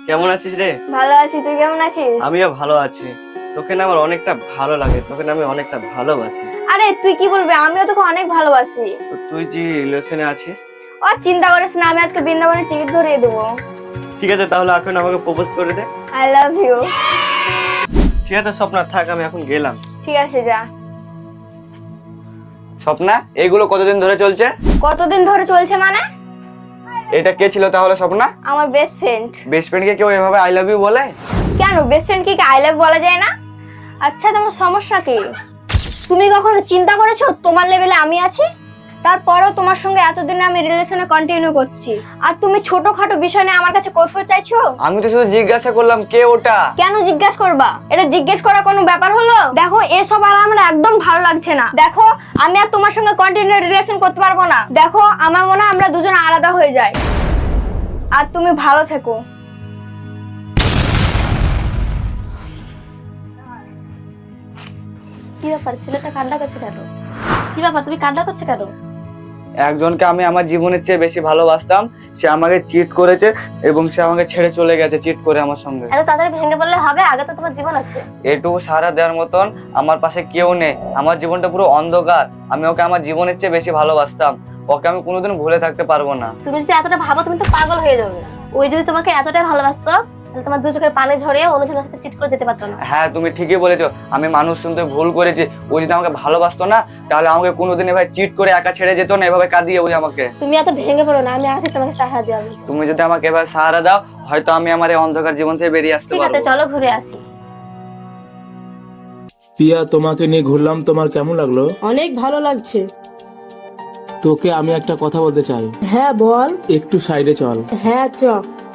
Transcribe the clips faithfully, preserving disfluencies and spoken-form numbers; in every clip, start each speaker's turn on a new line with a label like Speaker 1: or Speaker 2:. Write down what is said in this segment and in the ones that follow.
Speaker 1: কেমন আছিস রে?
Speaker 2: ভালো আছি, তুই কেমন আছিস?
Speaker 1: আমিও ভালো আছি। তোকে না আমার অনেকটা ভালো লাগে, তোকে না আমি অনেকটা ভালোবাসি।
Speaker 2: আরে তুই কি বলবি, আমিও তোকে অনেক ভালোবাসি।
Speaker 1: তো তুই যে রিলেশনে আছিস?
Speaker 2: ও চিন্তা করিস না, আমি আজকে বৃন্দাবনের টিকিট ধরিয়ে দেবো।
Speaker 1: ঠিক আছে, তাহলে এখন আমাকে প্রপোজ করে দে।
Speaker 2: I love you.
Speaker 1: ঠিক আছে স্বপ্না, থাক আমি এখন গেলাম।
Speaker 2: ঠিক আছে, যা।
Speaker 3: স্বপ্না, এইগুলো কতদিন ধরে চলছে?
Speaker 2: কতদিন ধরে চলছে মানে?
Speaker 3: এটা কে ছিল তাহলে স্বপ্না?
Speaker 2: আমার বেস্ট ফ্রেন্ড।
Speaker 3: বেস্ট ফ্রেন্ডকে কেউ এভাবে আই লাভ ইউ বলে?
Speaker 2: কেন, বেস্ট ফ্রেন্ড কি আই লাভ বলা যায় না? আচ্ছা, তোমার সমস্যা কি? তুমি কখনো চিন্তা করেছো তোমার লেভেলে আমি আছি? তারপরেও তোমার সঙ্গে এতদিন আমি রিলেশনে কন্টিনিউ করছি, আর তুমি ছোটখাটো বিষয় নিয়ে আমার কাছে কৈফিয়ত চাইছো?
Speaker 3: আমি তো শুধু জিজ্ঞাসা করলাম কে ওটা।
Speaker 2: কেন জিজ্ঞেস করবা? এটা জিজ্ঞেস করা কোনো ব্যাপার হলো? দেখো, এসব আর আমার একদম ভালো লাগছে না। দেখো, আমি আর তোমার সঙ্গে কন্টিনিউ রিলেশন করতে পারবো না। দেখো, আমার মনে হয় আমরা দুজন আলাদা হয়ে যাই। আর তুমি ভালো থেকো। কি ব্যাপার, ছেলেটা কান্না করছে কেন? কি ব্যাপার, তুমি কান্না করছো কেন?
Speaker 3: একজনকে আমি আমার জীবনের চেয়ে বেশি ভালোবাসতাম, সে আমাকে চিট করেছে এবং সে আমাকে ছেড়ে চলে গেছে চিট করে আমার সঙ্গে।
Speaker 2: এত তাড়াতাড়ি ভেঙে বললে হবে? আগে তো তোমার জীবন আছে।
Speaker 3: এটুকু সারা দেওয়ার মতন আমার পাশে কেউ নেই। আমার জীবনটা পুরো অন্ধকার। আমি ওকে আমার জীবনের চেয়ে বেশি ভালোবাসতাম। ওকে আমি কোনোদিন ভুলে থাকতে পারবো না।
Speaker 2: তুমি যদি এতটা ভাবো, তুমি তো পাগল হয়ে যাবে। ওই যদি তোমাকে এতটাই ভালোবাসতো, তাহলে তোমার দু চোখের পানি ঝরিয়ে অন্যজনের সাথে চিট করে যেতে পারতো না।
Speaker 3: হ্যাঁ, তুমি ঠিকই বলেছো। আমি মানুষ শুনতে ভুল করেছি। ও যদি আমাকে ভালোবাসতো না, তাহলে আমাকে কোনোদিন এভাবে চিট করে একা ছেড়ে যেত না, এভাবে কাঁদিয়ে ওই আমাকে।
Speaker 2: তুমি এত ভেঙে পড়ো না, আমি আছি তোমাকে সাহায্য দেওয়ার জন্য।
Speaker 3: তুমি যদি আমাকে এভাবে সাহারা দাও, হয়তো আমি আমার এই অন্ধকার জীবন থেকে বেরিয়ে আসতে
Speaker 2: ঠিক আছে,
Speaker 3: পারবো।
Speaker 2: চলো ঘুরে আসি।
Speaker 4: পিয়া, তোমাকে নিয়ে ঘুরলাম, তোমার কেমন লাগলো?
Speaker 5: অনেক ভালো লাগছে।
Speaker 4: তোকে আমি একটা কথা বলতে চাই।
Speaker 5: হ্যাঁ বল।
Speaker 4: একটু সাইডে চল।
Speaker 5: হ্যাঁ চ।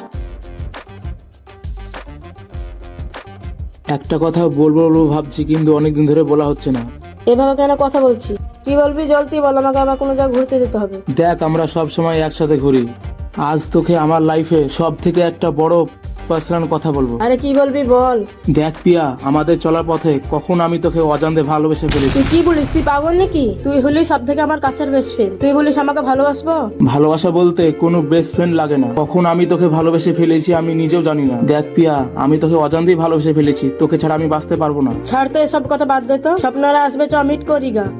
Speaker 4: একটা কথা বলবো বলবো ভাবছি, কিন্তু অনেকদিন ধরে বলা হচ্ছে না।
Speaker 5: এভাবে কেন কথা বলছি? কি বলবি জলদি বল, আমাকে আবার কোনো জায়গায় ঘুরতে যেতে হবে।
Speaker 4: দেখ, আমরা সব সময় একসাথে ঘুরি। আজ তোকে আমার লাইফে সব থেকে একটা বড় পার্সোনাল কথা বলবো।
Speaker 5: আরে কি বলবি বল।
Speaker 4: দেখ পিয়া, আমাদের চলার পথে কখন আমি তোকে অজান্তে ভালোবেসে ফেলেছি।
Speaker 5: তুই কি বলিস? তুই পাগল নাকি? তুই হলি সব থেকে আমার কাছের বেস্ট ফ্রেন্ড, তুই বলিস আমাকে ভালোবাসবো?
Speaker 4: ভালোবাসা বলতে কোনো বেস্ট ফ্রেন্ড লাগে না। কখন আমি তোকে ভালোবেসে ফেলেছি আমি নিজেও জানি না। দেখ পিয়া, আমি তোকে অজান্তেই ভালোবেসে ফেলেছি। তোকে ছাড়া আমি বাঁচতে পারবো না।
Speaker 5: ছাড় তো এসব কথা, বাদ দে তো। স্বপ্নরা আসবে, চ মিট করি গা।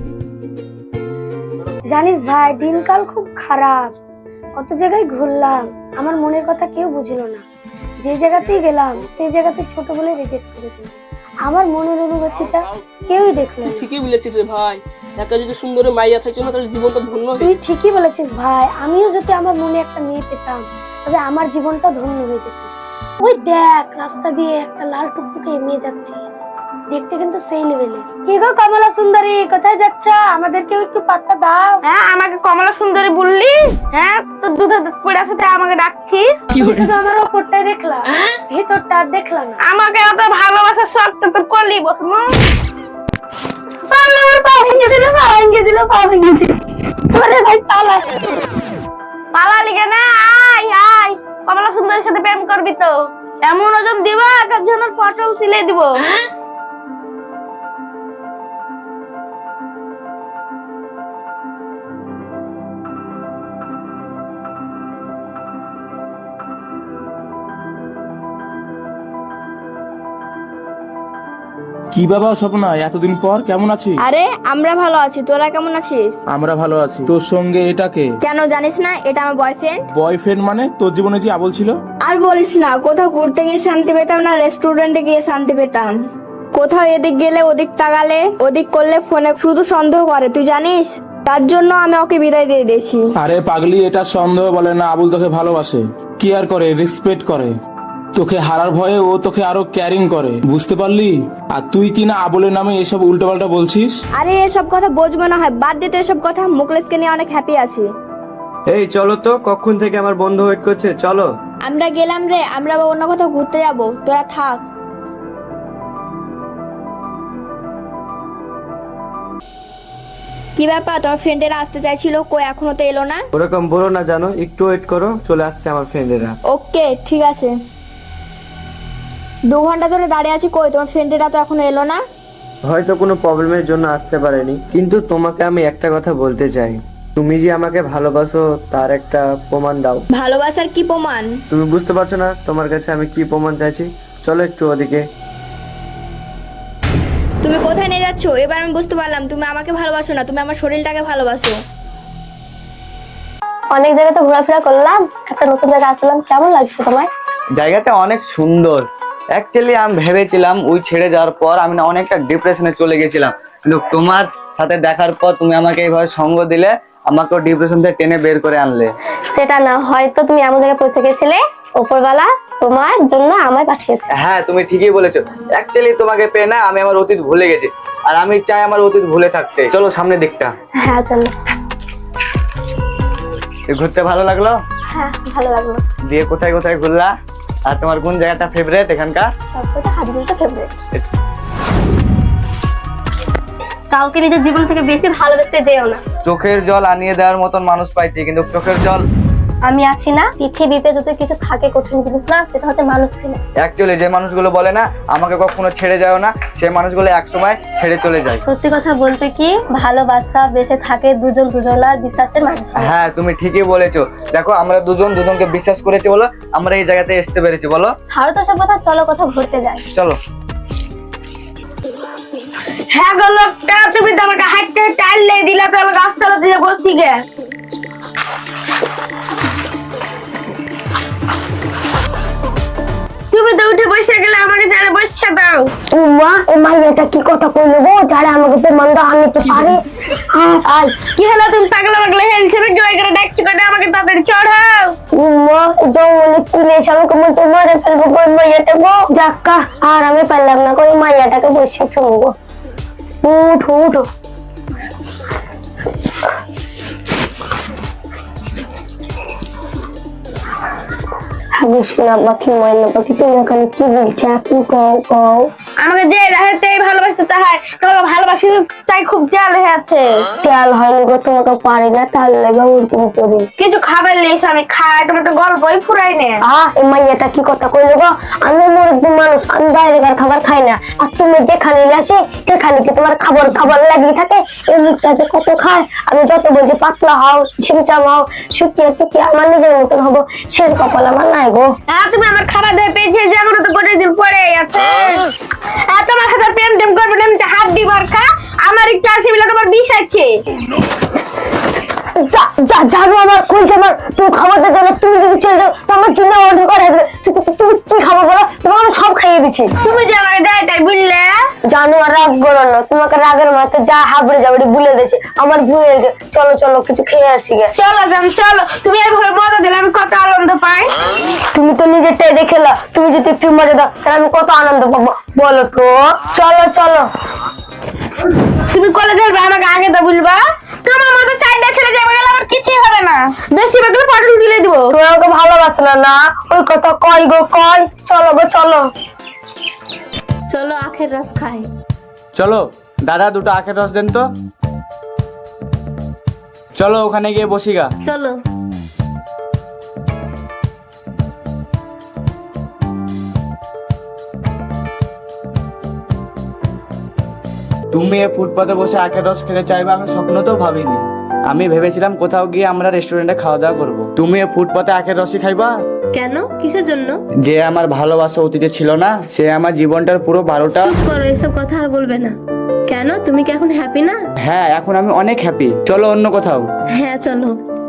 Speaker 6: জানিস ভাই, দিনকাল খুব খারাপ। কত জায়গায় ঘুরলাম, আমার মনের কথা কেউ বুঝলো না। যে জায়গাতেই গেলাম সেই জায়গাতে ছোট বলে রিজেক্ট করে দিল। আমার মনের অনুভূতিটা কেউই দেখলো না।
Speaker 7: ঠিকই বলেছিস রে ভাই, একটা যদি সুন্দর মাইয়া থাকতো না, তাহলে জীবনটা ধন্য হয়ে
Speaker 6: তুই ঠিকই বলেছিস ভাই, আমিও যদি আমার মনে একটা মেয়ে পেতাম, তবে আমার জীবনটা ধন্য হয়ে যেত। ওই দেখ, রাস্তা দিয়ে একটা লাল টুকটুকে মেয়ে যাচ্ছে, দেখতে কিন্তু সেই লেভেলে। কি গো কমলা সুন্দরী, কোথায় যাচ্ছ? আমাদেরকেও একটু পাত্তা দাও।
Speaker 2: হ্যাঁ, আমাকে কমলা সুন্দরী বললি? হ্যাঁ, তোর দুধে দুধ পড়ে সাথে আমাকে ডাকছিস?
Speaker 6: তুমি শুধু আমার ওপরটাই দেখলাম, ভিতরটা আর দেখলাম না।
Speaker 2: আমাকে এত ভালোবাসার শর্ত তো করলি বসমু। আমার পা ভেঙে দিল, পা ভেঙে দিল, পা ভেঙে দিল। ওরে ভাই পালা, পালালি কেন? আয় আয়, কমলা সুন্দরীর সাথে প্রেম করবি তো এমন ওজন দিবা, একার জন্য পটল সিলে দিব।
Speaker 4: কি বাবা স্বপ্না, এতদিন পর কেমন আছিস?
Speaker 2: আরে আমরা ভালো আছি, তোরা কেমন আছিস?
Speaker 4: আমরা ভালো আছি। তোর সঙ্গে এটাকে
Speaker 2: কেন জানিস না? এটা আমার বয়ফ্রেন্ড।
Speaker 4: বয়ফ্রেন্ড মানে? তোর জীবনে যে আবল ছিল।
Speaker 2: আর বলিস না, কোথাও ঘুরতে গিয়ে শান্তি পেতাম না, রেস্টুরেন্টে গিয়ে শান্তি পেতাম। কোথাও এদিক গেলে ওদিক তাকালে, ওদিক করলে ফোনে শুধু সন্দেহ করে, তুই জানিস? তার জন্য আমি ওকে বিদায় দিয়ে দিয়েছি।
Speaker 4: আরে পাগলি, এটা সন্দেহ বলে না। আবুল তোকে ভালোবাসে, কেয়ার করে, রেসপেক্ট করে। তোকে হারার ভয়ে ও তোকে আরো ক্যারিং করে, বুঝতে পারলি? আর তুই কিনা আবুলের নামে এসব উল্টোপাল্টা বলছিস।
Speaker 2: আরে এসব কথা বুঝবো না হয়, বাদ দিতে এসব কথা। মুকলেশকে নিয়ে অনেক হ্যাপি আছি।
Speaker 1: এই চলো তো, কখন থেকে আমার বন্ধু ওয়েট করছে, চলো।
Speaker 2: আমরা গেলাম রে, আমরা আবার অন্য কোথাও ঘুরতে যাবো, তোরা থাক। কি ব্যাপার, তোর ফ্রেন্ডেরা আসতে চাইছিল, কই এখনো তো এলো না?
Speaker 1: ওরকম বলো না, জানো, একটু ওয়েট করো, চলে আসছে আমার ফ্রেন্ডেরা।
Speaker 2: ওকে ঠিক আছে। দু ঘন্টা ধরে দাঁড়িয়ে আছি, কই তোমার ফ্রেন্ডেরা তো এখনো এলো না?
Speaker 1: হয়তো কোনো প্রবলেমের জন্য আসতে পারেনি, কিন্তু তোমাকে আমি একটা কথা বলতে চাই। তুমি যে আমাকে ভালোবাসো তার একটা প্রমাণ দাও।
Speaker 2: ভালোবাসার কি প্রমাণ?
Speaker 1: তুমি বুঝতে পারছো না তোমার কাছে আমি কি প্রমাণ চাইছি? চলো একটু ওদিকে।
Speaker 2: তুমি কোথায় নিয়ে যাচ্ছ? এবার আমি বুঝতে পারলাম তুমি আমাকে ভালোবাসো না, তুমি আমার শরীরটাকে ভালোবাসো।
Speaker 6: অনেক জায়গাতে ঘোরাফেরা করলাম, একটা নতুন জায়গা আসলাম, কেমন লাগছে তোমার?
Speaker 3: জায়গাটা অনেক সুন্দর। অ্যাকচুয়ালি আমি ভেবেছিলাম ওই ছেড়ে যাওয়ার পর আমি না অনেকটা ডিপ্রেশনে চলে গেছিলাম, কিন্তু তোমার সাথে দেখার পর তুমি আমাকে এইভাবে সঙ্গ দিলে, আমাকেও ডিপ্রেশন থেকে টেনে বের করে আনলে।
Speaker 6: সেটা না, হয়তো তুমি এমন জায়গায় পৌঁছে গেছিলে উপরওয়ালা তোমার জন্য আমায় পাঠিয়েছে।
Speaker 3: হ্যাঁ তুমি ঠিকই বলেছো। অ্যাকচুয়ালি তোমাকে পেয়ে না আমি আমার অতীত ভুলে গেছি, আর আমি চাই আমার অতীত ভুলে থাকতে। চলো সামনের দিকটা।
Speaker 6: হ্যাঁ চলো।
Speaker 3: ঘুরতে ভালো লাগলো?
Speaker 6: হ্যাঁ ভালো লাগলো।
Speaker 3: দিয়ে কোথায় কোথায় ঘুরলা? আর তোমার কোন জায়গাটা ফেভারিট এখানকার?
Speaker 6: তারপরে হাজবেন্ডটা ফেভারিট। কাউকে নিজের জীবন থেকে বেশি ভালোবাসতে যেও না।
Speaker 3: চোখের জল আনিয়ে দেওয়ার মতন মানুষ পাইছি, কিন্তু চোখের জল
Speaker 6: আমি আছি না, পৃথিবীতে যদি কিছু থাকে কঠিন জিনিস না, সেটা হচ্ছে মানুষ ছিল।
Speaker 3: অ্যাকচুয়ালি যে মানুষগুলো বলে না আমাকে কখনো ছেড়ে যাও না, সেই মানুষগুলো একসময় ছেড়ে চলে যায়।
Speaker 6: সত্যি কথা বলতে কি, ভালোবাসা বেঁচে থাকে দুজন দুজনার বিশ্বাসের মাধ্যমে।
Speaker 3: হ্যাঁ তুমি ঠিকই বলেছো। দেখো আমরা দুজন দুজনকে বিশ্বাস করেছি বলো আমরা এই জায়গাতে আসতে পেরেছি। বলো
Speaker 6: ছাড়ো তো সব কথা, চলো কোথাও ঘুরতে যাই।
Speaker 3: চলো।
Speaker 2: হ্যাঁ গো লোকটা, তুমি তো আমাকে হাঁটতে টাইলে দিলা, তো আমি গাছতলা দিয়ে বসি গে। তুমি তো উঠে বসে গেলে, আমাকে যারা বসে দাও।
Speaker 6: মা এই মাইয়াটা কি কথা কইলো গো, যারা আমাকে তো মন্দা আমি তো পারি। হ্যাঁ আর
Speaker 2: কি হলো, তুমি পাগলা পাগলা হেলছে জয় করে ডাকছি করে আমাকে তাড়াতাড়ি চড়াও।
Speaker 6: মা জঙ্গলে তুলে এসে আমাকে মধ্যে মারে ফেলবো ওই মাইয়াটা গো। যাক্কা আর আমি পারলাম না, ওই মাইয়াটাকে বসে ফেলবো। উঠো উঠো। আমি শোনা পাখি ময়না পাখি, তুমি ওখানে কি বলছো এখন? কও কও।
Speaker 2: আমাকে যে রাহেতেই ভালোবাসতে তাহার, তোমাকে ভালোবাসি তাই খুব জাল হয়ে আছে।
Speaker 6: তেল হয়নি গো, তোমাকে পারি না, তার লেগে উল্টো করি।
Speaker 2: কিছু খাবার লেস আমি খাই, তোমার তো গল্পই ফুরাই নে।
Speaker 6: আহ এই মাইয়াটা কি কথা কইলো গো, আমি মুরব্বী মানুষ, আমি বাইরেকার খাবার খাই না। আর তুমি যেখানে আসে সেখানে কি তোমার খাবার খাবার লাগিয়ে থাকে? এই মুখটাতে কত খায়, আমি যত বলছি পাতলা হও, ছিমচাম হও, শুকিয়ে টুকিয়ে আমার নিজের মতন হবো, সে কপাল আমার নাই গো।
Speaker 2: হ্যাঁ তুমি আমার খাবার দিয়ে পেয়েছে, যেগুলো তো গোটা দিন পরে আছে। হ্যাঁ তোমার সাথে প্রেম টেম করবে না, আমি তো হাত দিবার খা, আমার একটু আছে বলে তোমার বিষ আছে।
Speaker 6: যা যা জানো আমার কোন আমার, তুমি খাবার দিয়ে যাবে, তুমি যদি চলে যাও তো আমার জন্য অর্ডার করে দেবে। তু- তু- তুমি কি খাবার বলো, তোমাকে আমি সব খাইয়ে দিচ্ছি।
Speaker 2: তুমি যে আমার দেয় তাই বুঝলে।
Speaker 6: জানো আর রাগ করো না, তোমাকে রাগের মাথা যা হাবড়ে যাবড়ে ভুলে গেছে, আমার ভুলে গেছে। চলো চলো কিছু খেয়ে আসি গে।
Speaker 2: চলো যাম চলো, তুমি এইভাবে মজা দিলে আমি কত আনন্দ পাই।
Speaker 6: তুমি তো নিজেরটাই দেখেলা, তুমি যদি একটু মজা দাও তাহলে আমি কত আনন্দ পাবো বলো তো। চলো চলো।
Speaker 2: তুমি কলেজে যাবে আমাকে আগে তো বলবা, তোমার মতো চারটা ছেলে যাবে গেলে আমার কিছুই হবে না, বেশি বেগুলো পটল তুলে দিব।
Speaker 6: তুমি আমাকে ভালোবাসো না না, ওই কথা কয় গো কয়। চলো গো চলো।
Speaker 5: চলো আখের রস খাই।
Speaker 3: চলো দাদা দুটো আখের রস দেন তো। চলো ওখানে গিয়ে বসি গা।
Speaker 5: চলো।
Speaker 3: তুমি এই ফুটপাতে বসে আখের রস খেতে চাইবে আমি স্বপ্নতেও ভাবিনি। আমি ভেবেছিলাম কোথাও গিয়ে আমরা রেস্টুরেন্টে খাওয়া দাওয়া করবো, তুমি এই ফুটপাতে আখের রসই খাইবা?
Speaker 5: কেন, কিসের জন্য?
Speaker 3: যে আমার ভালোবাসা অতীতে ছিল না, সে আমার জীবনটার পুরো বারোটা।
Speaker 5: চুপ করো, এসব কথা আর বলবে না। কেন, তুমি কি এখন হ্যাপি না?
Speaker 3: হ্যাঁ এখন আমি অনেক হ্যাপি। চলো অন্য কোথাও।
Speaker 5: হ্যাঁ চলো।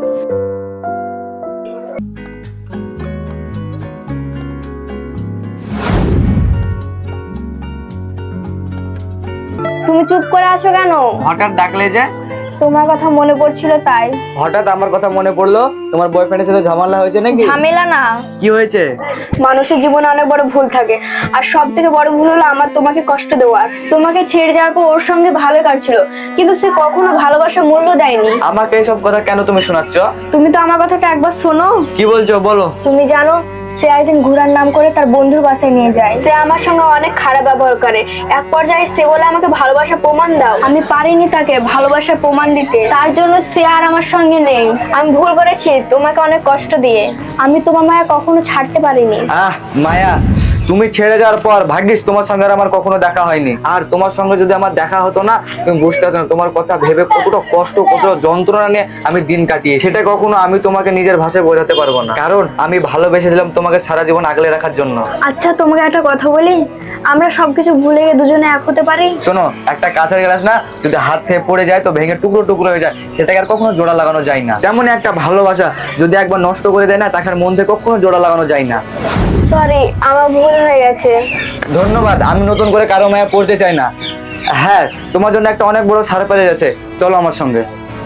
Speaker 2: তুমি চুপ করে আছো কেন?
Speaker 3: হঠাৎ ডাকলে যে?
Speaker 2: তোমার কথা মনে পড়ছিল তাই।
Speaker 3: হঠাৎ আমার কথা মনে পড়লো? তোমার বয়ফ্রেন্ডের সাথে ঝামেলা হয়েছে নাকি?
Speaker 2: ঝামেলা না,
Speaker 3: কি হয়েছে?
Speaker 2: মানুষের জীবনে অনেক বড় ভুল থাকে, আর সব থেকে বড় ভুল হলো আমার তোমাকে কষ্ট দেওয়ার। তোমাকে ছেড়ে যাওয়ার পর ওর সঙ্গে ভালো কাটছিল, কিন্তু সে কখনো ভালোবাসার মূল্য দেয়নি।
Speaker 3: আমাকে এইসব কথা কেন তুমি শোনাচ্ছ?
Speaker 2: তুমি তো আমার কথাটা একবার শোনো।
Speaker 3: কি বলছো বলো।
Speaker 2: তুমি জানো সে একদিন ঘোরার নাম করে তার বন্ধুর বাসায় নিয়ে যায়। সে আমার সঙ্গে অনেক খারাপ ব্যবহার করে। এক পর্যায়ে সে বলে আমাকে ভালোবাসার প্রমাণ দাও। আমি পারিনি তাকে ভালোবাসার প্রমাণ দিতে, তার জন্য সে আর আমার সঙ্গে নেই। আমি ভুল করেছি তোমাকে অনেক কষ্ট দিয়ে, আমি তোমার মায়া কখনো ছাড়তে পারিনি।
Speaker 3: আহ মায়া, তুমি ছেড়ে যাওয়ার পর ভাগ্যিস তোমার সঙ্গে আর আমার কখনো দেখা হয়নি। আর তোমার সঙ্গে যদি আমার দেখা হতো না, তুমি বুঝতে পারতো না তোমার কথা ভেবে কতটা কষ্ট, কতটা যন্ত্রণা নিয়ে আমি দিন কাটিয়ে, সেটা কখনো আমি তোমাকে নিজের ভাষায় বোঝাতে পারবো না, কারণ আমি ভালোবেসেছিলাম তোমাকে সারা জীবন আগলে রাখার জন্য।
Speaker 2: আচ্ছা তোমাকে একটা কথা বলি, আমরা সবকিছু ভুলে গিয়ে দুজনে এক হতে পারি?
Speaker 3: শোনো, একটা কাঁচের গ্লাস না যদি হাত থেকে পড়ে যায় তো ভেঙে টুকরো টুকরো হয়ে যায়, সেটাকে আর কখনো জোড়া লাগানো যায় না। তেমনই একটা ভালোবাসা যদি একবার নষ্ট করে দেয় না, তাকে আর মন থেকে কখনো জোড়া লাগানো যায় না।
Speaker 2: সরি, আমার ভুল হয়ে গেছে।
Speaker 3: ধন্যবাদ, আমি নতুন করে কারো মায়া পড়তে চাই না। হ্যাঁ, তোমার জন্য একটা অনেক বড় সারপ্রাইজ আছে, চলো আমার সঙ্গে।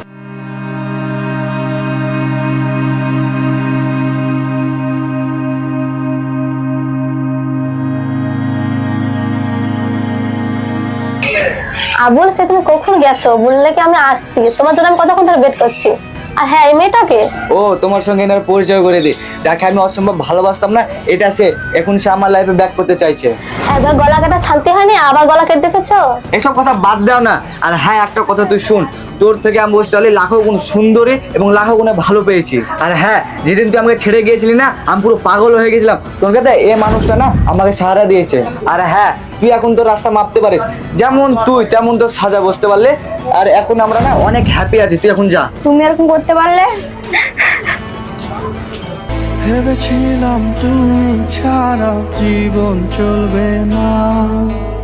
Speaker 6: আবুল, সে তুমি কখন গেছো? বললে কি আমি আসছি, তোমার জন্য আমি কতক্ষণ ধরে ওয়েট করছি। আর হ্যাঁ, এই মেয়েটাকে
Speaker 3: ও তোমার সঙ্গে এনার পরিচয় করে দিই, যাকে আমি অসম্ভব ভালোবাসতাম না, এটা সে, এখন সে আমার লাইফে ব্যাক করতে চাইছে।
Speaker 6: একবার গলা কাটা শান্তি হয়নি, আবার গলা কেটে এসেছো।
Speaker 3: এসব কথা বাদ দাও না। আর হ্যাঁ, একটা কথা তুই শুন, তোর থেকে আমি বুঝতে পারলি লাখো গুণ সুন্দরী এবং লাখো গুণে ভালো পেয়েছি। আর হ্যাঁ, যেদিন তুই আমাকে ছেড়ে গিয়েছিলি না, আমি পুরো পাগল হয়ে গেছিলাম। তোর কাছে এই মানুষটা না আমাকে সাহারা দিয়েছে। আর হ্যাঁ, তুই এখন তোর রাস্তা মাপতে পারিস, যেমন তুই তেমন তোর সাজা, বুঝতে পারলে? আর এখন আমরা না অনেক হ্যাপি আছি, তুই এখন যা।
Speaker 2: তুমি এরকম করতে পারলে?
Speaker 8: ভেবেছিলাম তুমি ছাড়া জীবন চলবে না।